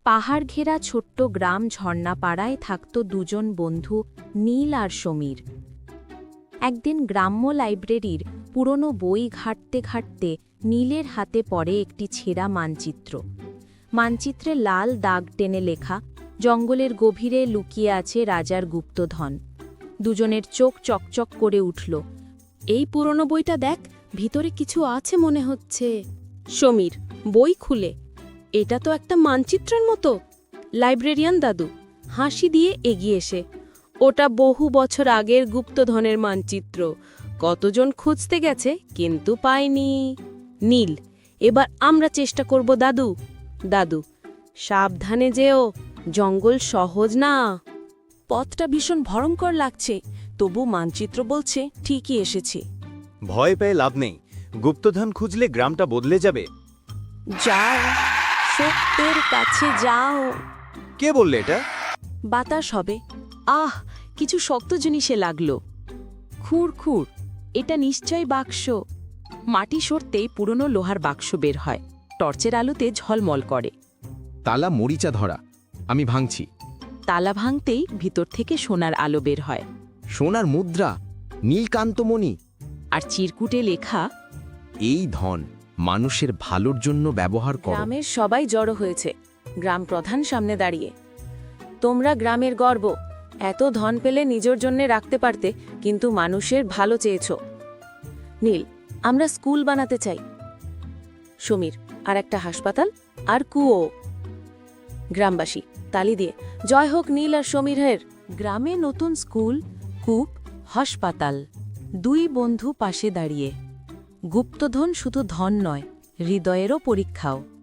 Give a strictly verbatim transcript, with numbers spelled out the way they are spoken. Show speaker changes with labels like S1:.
S1: পাহাড় ঘেরা ছোট্ট গ্রাম ঝর্ণাপাড়ায় থাকত দুজন বন্ধু নীল আর সমীর। একদিন গ্রাম্য লাইব্রেরির পুরনো বই ঘাঁটতে ঘাঁটতে নীলের হাতে পড়ে একটি ছেঁড়া মানচিত্র। মানচিত্রে লাল দাগ টেনে লেখা, জঙ্গলের গভীরে লুকিয়ে আছে রাজার গুপ্তধন। দুজনের চোখ চকচক করে উঠল।
S2: এই পুরনো বইটা দেখ, ভিতরে কিছু আছে মনে হচ্ছে। সমীর বই খুলে, এটা তো একটা মানচিত্রের মতো। লাইব্রেরিয়ান দাদু হাসি দিয়ে এগিয়ে এসে, ওটা বহু বছর আগের গুপ্তধনের মানচিত্র। কতজন খুঁজতে গেছে কিন্তু পায়নি। নীল, এবার আমরা চেষ্টা করব দাদু। দাদু, সাবধানে যেও, জঙ্গল সহজ না। পথটা ভীষণ ভয়ঙ্কর লাগছে, তবু মানচিত্র বলছে ঠিকই এসেছে।
S3: ভয় পেয়ে লাভ নেই, গুপ্তধন খুঁজলে গ্রামটা বদলে যাবে।
S2: যাও, সত্যের কাছে যাও।
S3: কে বললে এটা?
S2: বাতাস হবে। আহ, কিছু শক্ত জিনিসে লাগলো। খুঁড় খুঁড়, এটা নিশ্চয়ই বাক্স। মাটি সরতেই পুরনো লোহার বাক্স বের হয়, টর্চের আলোতে ঝলমল করে।
S4: তালা মরিচা ধরা, আমি ভাঙছি।
S2: তালা ভাঙতেই ভিতর থেকে সোনার আলো বের হয়,
S4: সোনার মুদ্রা, নীলকান্তমণি।
S2: আর চিরকুটে লেখা,
S4: এই ধন মানুষের ভালোর জন্য ব্যবহার করো।
S2: গ্রামের সবাই জড়ো হয়েছে, গ্রাম প্রধান সামনে দাঁড়িয়ে। তোমরা গ্রামের গর্ব, এত ধন পেলে নিজের জন্য রাখতে পারতে, কিন্তু মানুষের ভালো চেয়েছ। নীল, আমরা স্কুল বানাতে চাই। সমীর, আর একটা হাসপাতাল আর কুয়ো। গ্রামবাসী তালি দিয়ে, জয় হোক নীল আর সমীরের। গ্রামে নতুন স্কুল, কূপ, হাসপাতাল। দুই বন্ধু পাশে দাঁড়িয়ে। গুপ্তধন শুধু ধন নয়, হৃদয়েরও পরীক্ষাও।